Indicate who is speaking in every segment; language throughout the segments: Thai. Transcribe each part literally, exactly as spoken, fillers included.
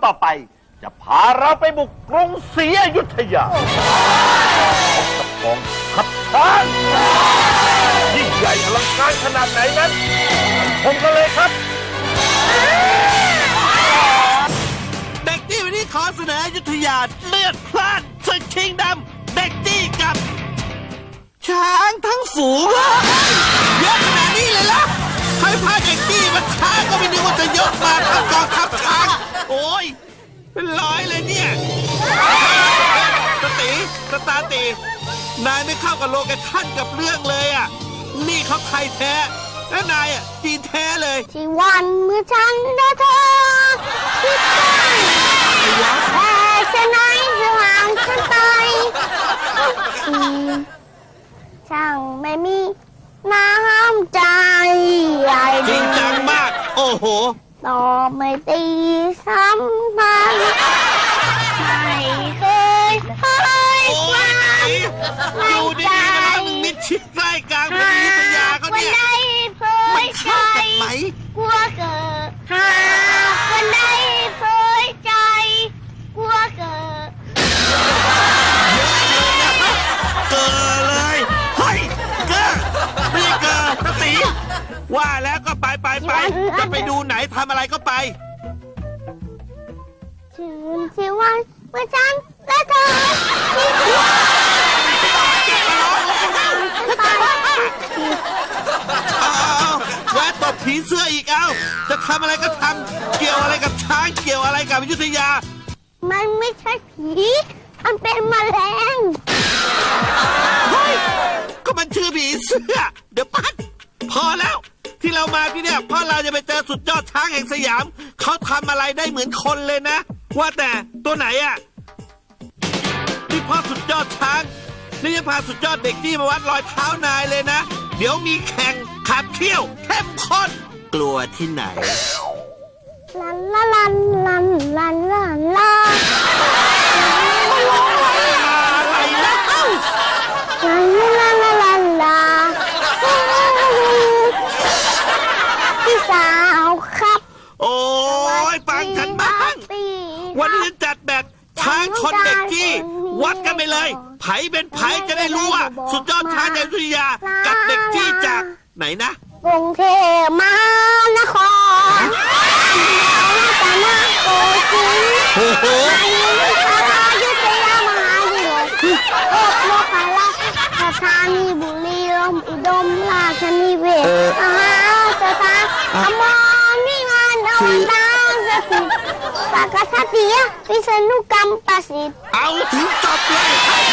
Speaker 1: ต่อไปจะพาเราไปบุกกรุงศรีอยุธยากับกองทัพช้างยิ่งใหญ่อลังการขนาดไหนนั้นชมกันเลยครับ
Speaker 2: เด็กที่วันนี้ขอเสนออยุธยาเลือดพล่านศึกชิงดำเด็กที่กับช้างทั้งฝูงเยอะขนาดนี้เลยล่ะใครพาเด็กที่มาช้างก็ไม่นึกว่าจะยกมาทั้งกองทัพช้างโอ้ยเป็นร้อยเลยเนี่ยสติสตาตินายไม่เข้ากับโลเคชั่นกับเรื่องเลยอ่ะนี่เขาไทยแท้และนายอ่ะจีนแท้เลย
Speaker 3: ที่วันเมื่อฉันได้เธอคิดไปแต่ฉันไหนจะห่างฉันไปช่างไม่มีน้ำใจ
Speaker 2: จริงจังมากโอ้โห
Speaker 3: ต่อไม่ตีสัมพันธ์ไม่เคยเคยความ
Speaker 2: ดูดีๆนะครับมิดชิดใกล้กลางเมืองอยุธยาเขาเนี่ย
Speaker 3: ไม่เข้ากันไหมกลัวเกิดหาคนใดเคยใจกลัวเกิด
Speaker 2: เกิดเลยเฮ้ยเกิดไม่ใช่เกิดสติว่าแล้วก็ไปไปไปจะไปดูไหนทำอะไรก็ไป
Speaker 3: ชื่นชีวันเมื่อฉันและเธอ
Speaker 2: แวะตบผีเสื้ออีกเอ้าจะทำอะไรก็ทำเกี่ยวอะไรกับช้างเกี่ยวอะไรกับอยุธยา
Speaker 3: มันไม่ใช่ผีมันเป็นแมลง
Speaker 2: เฮ้ยก็มันชื่อผีเสื้อเดี๋ยวปัดพอแล้วที่เรามาที่เนี่ยเพราะเราจะไปเจอสุดยอดช้างแห่งสยามเขาทำอะไรได้เหมือนคนเลยนะว่าแต่ตัวไหนอ่ะนี่พ่อสุดยอดช้างนี่จะพาสุดยอดเด็กที่มาวัดรอยเท้านายเลยนะเดี๋ยวมีแข่งขับเที่ยวเข้มข้นกลัวที่ไหน
Speaker 3: ลันลาลันลันลันลันลา
Speaker 2: อะไรนะ
Speaker 3: ลันลาลาลันลาพี่สาวครับ
Speaker 2: โอ้ยฟังฉันบ้างวันนี้จัดแบบช้างชนเด็กจี้วัดกันไปเลยไผเป็นไผจะได้รู้ว่าสุดยอดช้างในอยุธยากับเด็กจี้จากไหนนะ
Speaker 3: กรุงเทพมหานครแต่นาโกศินทร์
Speaker 2: โอ้โห
Speaker 3: อยุธยามหาวิทยาลัยโอโลกาลักษณ์สถานีบุรีรัมย์อุดมราชนิเวศมหาสถานอมรนิงานอวตารสถิตสักทัตติยวิษณุกรรมประสิทธิ์
Speaker 2: เอาถึงจบเลย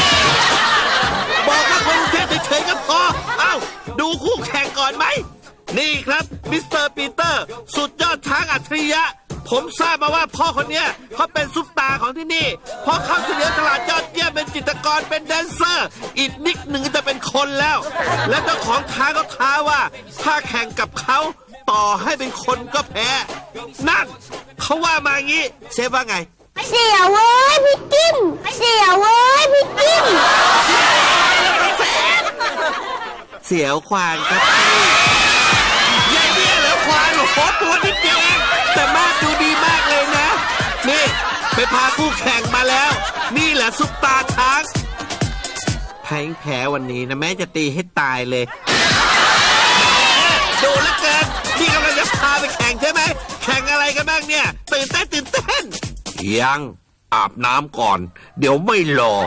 Speaker 2: บอกว่าคนเทพเฉยๆก็พอเอ้าดูคู่แข่งก่อนไหมนี่ครับมิสเตอร์ปีเตอร์สุดยอดช้างอัจฉริยะผมทราบมาว่าพ่อคนนี้เขาเป็นซุปตาของที่นี่เพราะเขาเฉลียวฉลาดยอดเยี่ยมเป็นจิตรกรเป็นแดนเซอร์อีกนิดหนึ่งจะเป็นคนแล้วและเจ้าของท้าก็ท้าว่าถ้าแข่งกับเขาต่อให้เป็นคนก็แพ้นั่นเขาว่ามางี้เชฟว่าไง
Speaker 3: เสียเว้ยพี่กิ้มเสียเว้ยพี่กิ้ม
Speaker 2: เสียวควานครับใหญ่เนี่ยเหรอควานโอ้โหตัวนิดเดียวเองแต่มาดูดีมากเลยนะนี่ไปพาคู่แข่งมาแล้วนี่แหละซุปตาช้างแพ้แพ้วันนี้นะแม่จะตีให้ตายเลยดูแล้วเกินนี่กำลังจะพาไปแข่งใช่ไหมแข่งอะไรกันบ้างเนี่ยตื่นเต้นตื่นเต้นยังอาบน้ำก่อนเดี๋ยวไม่รอ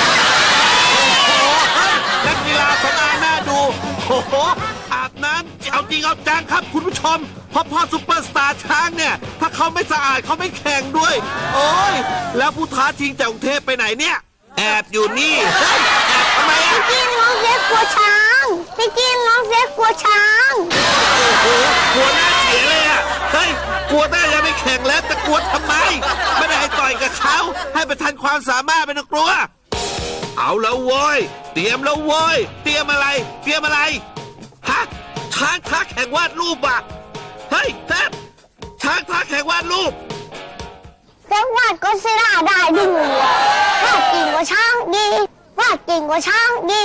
Speaker 2: นักกีฬาสนามน่าดูโอ้โหอาบน้ำเอาจริงเอาจังครับคุณผู้ชมเพราะพ่อซุปเปอร์สตาร์ช้างเนี่ยถ้าเขาไม่สะอาดเขาไม่แข่งด้วยโอ้ยแล้วผู้ท้าชิงจากกรุงเทพไปไหนเนี่ยแอบอยู่นี่แอบทำไมอ่ะ
Speaker 3: พี่กิ้งน้องเซ็กกลัวช้างพี่กิ้งน้องเซ็กกลัวช้าง
Speaker 2: โอ้โหกลัวหน้าเสียเลยอ่ะเฮ้ยกลัวได้ยังไม่แข่งแล้วจะกลัวทำไมไม่ได้ให้ต่อยกับเขาให้ประทันความสามารถเป็นกลัวเอาแล้วโว้ยเตรียมแล้วโว้ยเตรียมอะไรเตรียมอะไรฮะช้างท้าแข่งวาดรูปอ่ะเฮ้ยแทบช้างท้าแข่งวาดรูป
Speaker 3: เซ็กวาดก็เสียได้ดูวาดเก่งกว่าช้างดีวาดเก่งกว่าช้างดี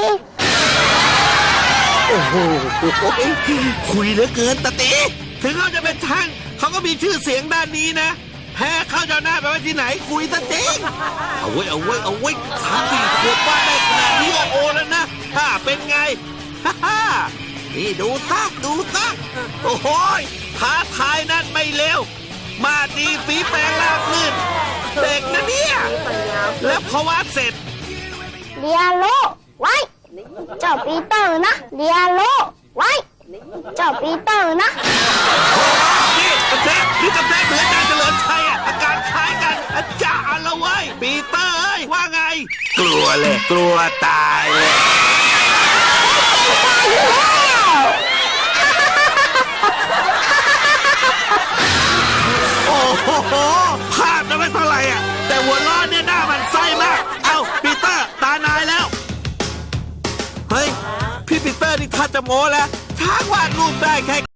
Speaker 2: โอ้โหคุยเหลือเกินตะตีถึงเขาจะเป็นช้างเขาก็มีชื่อเสียงด้านนี้นะแพ้เข้าเจ้าหน้าไปไว้ที่ไหนคุยซะจริงเอาไว้เอาไว้เอาไว้สามสี่ขวบว่าได้ขนาดนี้โอโอแล้วนะถ้าเป็นไงฮ่าฮ่านี่ดูตักดูตักโอ้โหท้าทายนั่นไม่เลวมาดีฝีแปลงลาบลื่นเด็กนะเนี่ยแล้วพอวาดเสร็จ
Speaker 3: เรียโลไว้เจ้าปีเตอร์นะเรียโลไว้เจ้าปีเตอร์นะ
Speaker 2: นี่กระแทกนี่กระแทกเหมือนอาจารย์เฉลิมชัยอ่ะอาการคล้ายกันอาจารย์ละเว้ยปีเตอร์เอ้ยว่าไง กลัวเลยกลัวตายเลยโอ้โหภาพนั้นไม่เท่าไหร่อ่ะแต่หัวล้อเนี่ยหน้ามันไส้มากเอ้าปีเตอร์ตานายแล้วเฮ้ยพี่ปีเตอร์นี่ถ้าจะโม้แล้วช้างวาดรูปได้แค่